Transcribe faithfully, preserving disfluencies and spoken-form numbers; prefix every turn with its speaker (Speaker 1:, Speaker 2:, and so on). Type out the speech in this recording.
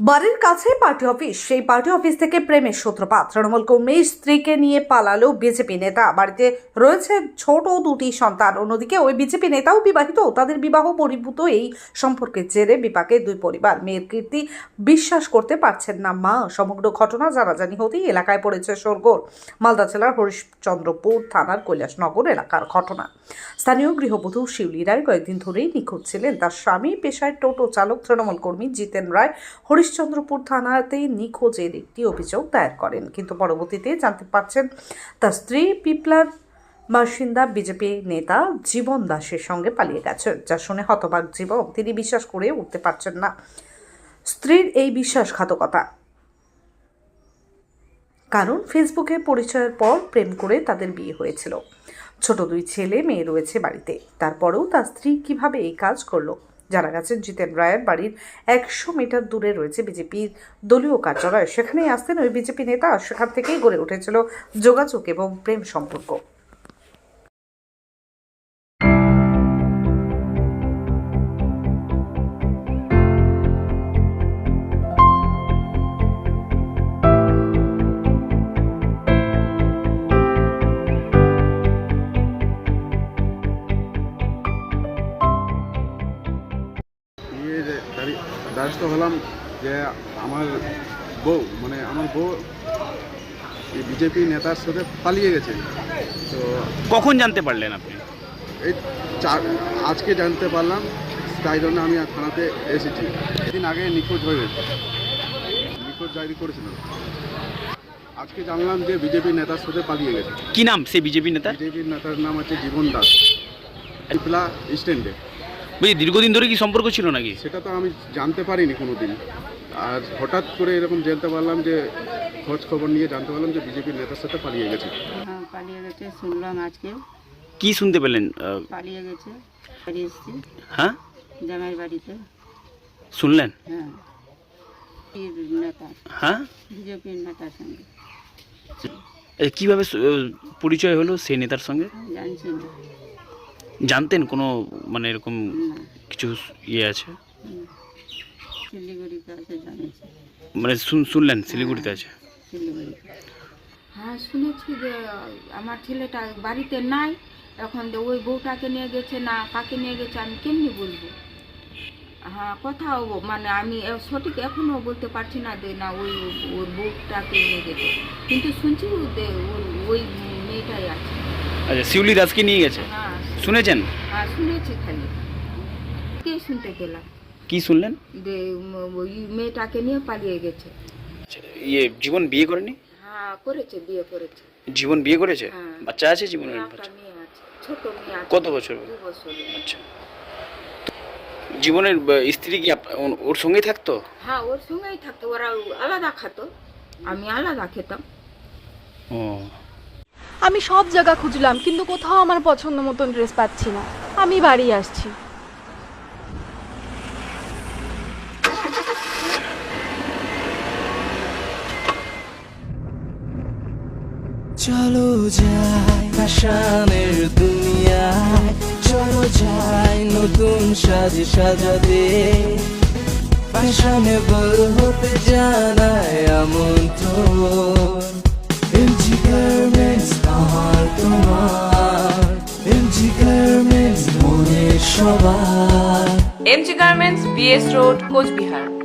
Speaker 1: বাড়ির কাছে party office, সেই পার্টি অফিস থেকে প্রেমের সূত্রপাত। তৃণমূল কর্মীর স্ত্রীকে নিয়ে পালালো বিজেপি নেতা। বাড়িতে রয়েছে ছোট দুটি সন্তান। অন্যদিকে ওই বিজেপি নেতাও বিবাহিত। তাদের বিবাহ বহির্ভূত এই সম্পর্কের জেরে বিপাকে দুই পরিবার। মেয়ের কীর্তি বিশ্বাস করতে পারছেন না মা। সমগ্র ঘটনা জানাজানি হতেই এলাকায় পড়েছে শোরগোল। মালদা জেলার হরিশ্চন্দ্রপুর থানার কৈলাসনগর এলাকার ঘটনা। স্থানীয় গৃহবধূ শিউলি রায় কয়েকদিন ধরেই নিখোঁজ ছিলেন। তার স্বামী পেশায় টোটো চালক তৃণমূল কর্মী জিতেন রায় হরিশ্চন্দ্রপুর থানাতে নিখোঁজের একটি অভিযোগ দায়ের করেন, কিন্তু পরবর্তীতে জানতে পারছেন তার স্ত্রী পিপলার বাসিন্দা বিজেপি নেতা জীবন দাসের সঙ্গে পালিয়ে গেছেন। যা শুনে হতবাক জীবন। তিনি বিশ্বাস করে উঠতে পারছেন না স্ত্রীর এই বিশ্বাসঘাতকতা। কারণ ফেসবুকে পরিচয়ের পর প্রেম করে তাদের বিয়ে হয়েছিল। ছোট দুই ছেলে মেয়ে রয়েছে বাড়িতে। তারপরেও তার স্ত্রী কিভাবে এই কাজ করলো? জানা গেছে জিতেন রায়ের বাড়ির একশো মিটার দূরে রয়েছে বিজেপির দলীয় কার্যালয়। সেখানেই আসতেন ওই বিজেপি নেতা। সেখান থেকেই গড়ে উঠেছিল যোগাযোগ এবং প্রেম সম্পর্ক।
Speaker 2: দ্বারস্থ হলাম যে আমার বউ মানে আমার বউ বিজেপি নেতার সাথে পালিয়ে গেছে। তো
Speaker 3: কখন জানতে পারলেন আপনি?
Speaker 2: এই চার আজকে জানতে পারলাম, তাই জন্য আমি থানাতে এসেছি। এদিন আগে নিখোঁজ হয়ে গেছে, নিখোঁজ ডায়েরি করেছিলাম। আজকে জানলাম যে বিজেপি নেতার সাথে পালিয়ে গেছে।
Speaker 3: কি নাম সেই বিজেপি নেতা?
Speaker 2: বিজেপি নেতার নাম হচ্ছে জীবন দাস, পিপলা স্ট্যান্ডে।
Speaker 3: বুঝি দীর্ঘদিন ধরে কি সম্পর্ক ছিল নাকি?
Speaker 2: সেটা তো আমি জানতে পারিনি কোনো দিন। আর হঠাৎ করে এরকম জানতে পারলাম যে খোঁজ খবর নিয়ে জানতে পারলাম যে বিজেপির নেতার সাথে পালিয়ে গেছে।
Speaker 4: হ্যাঁ, পালিয়ে গেছে শুনলাম আজকে।
Speaker 3: কি শুনতে পেলেন?
Speaker 4: পালিয়ে গেছে, বাড়ি এসেছি।
Speaker 3: হ্যাঁ,
Speaker 4: জামাই বাড়িতে
Speaker 3: শুনলেন?
Speaker 4: হ্যাঁ, নেতা,
Speaker 3: হ্যাঁ,
Speaker 4: বিজেপির নেতার সঙ্গে।
Speaker 3: এ, কিভাবে সু- পরিচয় হলো সেই নেতার সঙ্গে?
Speaker 4: জানছি না,
Speaker 3: জানতেন কোনো মানে এরকম
Speaker 4: না,
Speaker 3: কিছু ইয়ে আছে?
Speaker 4: হুম। শিলিগুড়িতে আছে জানিয়েছি,
Speaker 3: মানে শুন- শুনলেন শিলিগুড়িতে আছে?
Speaker 4: শিলিগুড়িতে। হ্যাঁ, শুনেছি যে আমার ছেলেটা বাড়িতে নাই এখন, যে ওই বউটাকে নিয়ে গেছে না কাকে নিয়ে গেছে আমি কেমনি বলবো। হ্যাঁ, কোথাও মানে আমি সঠিক এখনও বলতে পারছি না যে না ওই ওর বউটাকে নিয়ে গেছে, কিন্তু শুনছি যে ওর ওই মেয়েটাই আছে।
Speaker 3: আচ্ছা, শিউলি দাসকে নিয়ে গেছে
Speaker 4: হ্যাঁ,
Speaker 3: শুনেছেন?
Speaker 4: হ্যাঁ শুনেছি, খালি কে শুনতে পেলাম
Speaker 3: কি শুনলেন?
Speaker 4: যে উম, ওই মেয়েটাকে নিয়ে পালিয়ে গেছে।
Speaker 3: আচ্ছা, ইয়ে জীবন বিয়ে করেনি?
Speaker 4: হ্যাঁ, করেছে, বিয়ে করেছে।
Speaker 3: জীবন বিয়ে করেছে?
Speaker 4: হ্যাঁ।
Speaker 3: বাচ্চা আছে জীবনের?
Speaker 4: একটা
Speaker 3: বাচ্চা
Speaker 4: মেয়ে আছে, ছোট মেয়ে আছে।
Speaker 3: কত বছর?
Speaker 4: দু বছর।
Speaker 3: আচ্ছা, জীবনের আহ, স্ত্রী কি আপ- ওর- ওর সঙ্গেই থাকতো?
Speaker 4: হ্যাঁ, ওর সঙ্গেই থাকতো, ওরা আলাদা খেতো, আমি আলাদা খেতাম।
Speaker 3: ও,
Speaker 5: আমি সব জায়গা খুঁজলাম কিন্তু কোথাও আমার পছন্দ মতন ড্রেস পাচ্ছি না। আমি বাড়ি আসছি।
Speaker 6: চলো যাই ফ্যাশনের দুনিয়ায়, চলো যাই নতুন সাজে সাজাতে, ফ্যাশনেবল হতে জানায় আমন্ত্রণ। এমজি গার্মেন্টস আমার তোমার, এমজি গার্মেন্টস মনের সবার।
Speaker 7: MG garments, BS road, Cooch Behar.